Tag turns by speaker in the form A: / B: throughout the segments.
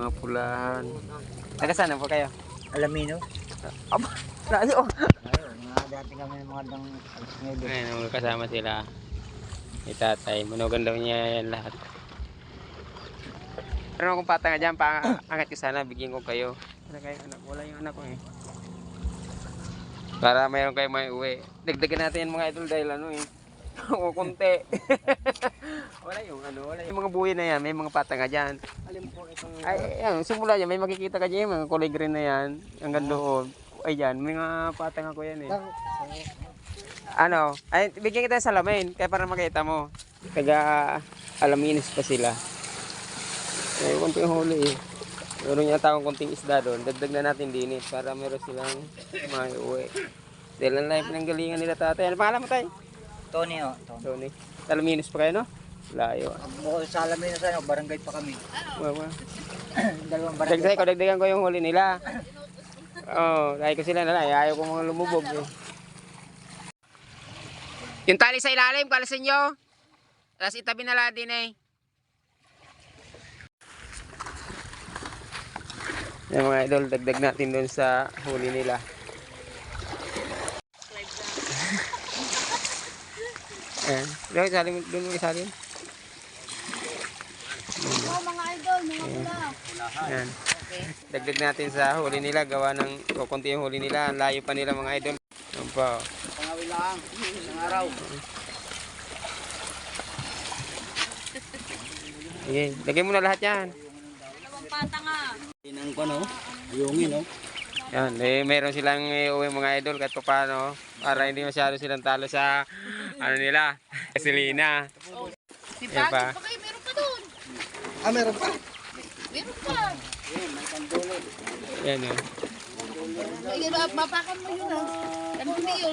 A: mga pulahan. Taga saan po kayo?
B: Alamino.
A: Aba, layo.
B: Ayun, mga dati kami ng mga dang ngayon.
A: Ayun, kasama sila. Ni tatay. Manugan daw niya yan lahat. Pero kung patanga dyan, paangat ko sana, bigyan ko kayo. Wala kayong anak, wala yung anak ko eh. Para mayroon kayo may uwi. Dagdagan natin yan mga idol dahil ano eh. O konti. Wala yung ano, wala yung mga buhay na yan, may mga patanga dyan.
B: Alam po itong
A: Ay, yan, simula dyan, may makikita ka dyan, mga kulay green na yan. Hanggang doon. Ay dyan, may mga patanga ko yan eh. Ano, ay, bigyan kita ng salamin, kaya para makita mo. Taga Alaminos pa sila. May konting huli eh. Meron niya takong konting isda doon. Dagdag na natin din eh, para meron silang may uwi. Dahil ang life ng galingan nila tatay. Ano pangalan mo tayo?
B: Tony o.
A: Tony. Alaminos pa kayo no? Layo.
B: Bukod sa Alamino sa barangay pa kami.
A: Wawa.
B: Dalawang barangay.
A: Dagdagan ko yung huli nila. Oh, dahil ko sila na lang. Ayaw ko mga lumubog eh. Yung tali sa ilalim, kalasin nyo. Tapos itabi na lang din eh. Yung mga idol, dagdag natin doon sa huli nila. Ayan. Doon mo isalin.
C: Oh, mga idol, mga pula.
A: Ayan. Dagdag natin sa huli nila. Gawa ng kukunti yung huli nila. Layo pa nila mga idol. Ayan po.
B: Pangawi lang. Isang araw.
A: Sige, lagay mo na lahat yan.
C: Dalawang patanga.
B: Inang ko no. Ayungin no.
A: Yan, eh, meron silang uwi mga idol kahit pa paano. Para hindi masyado silang talo sa ano nila. Gasolina.
C: Si
A: Yan pa.
C: Pagod pa kayo, meron pa doon.
B: Ah, meron pa.
C: Meron pa.
A: Yan eh.
C: Ay, mapakan mo yun ah. Ganun yun.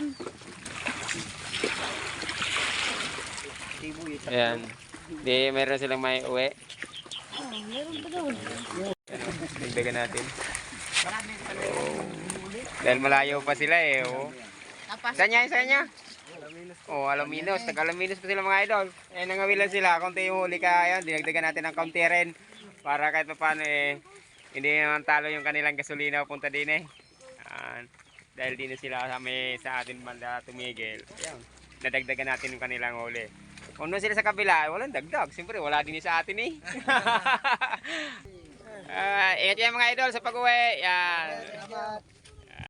A: Ayan. Di, meron silang may uwi.
C: Oh, meron pa doon.
A: Dagdagan natin. Oh. Dahil malayo pa sila eh. Oh. Saan niya? Saan niya? Oh, Alaminos. Taga-Alaminos pa sila mga idol. Eh, nangawilan sila. Konti yung huli ka. Ayun, dinagdagan natin ng kaunti rin. Para kahit pa paano eh, hindi naman talo yung kanilang gasolina punta din eh. Dahil din sila sa atin banda tumigil. Ayun, nadagdagan natin yung kanilang huli. Kung doon sila sa kabila, walang dagdag. Siyempre, wala din sa atin eh. Ingat yan mga idol sa pag-uwi. Yan.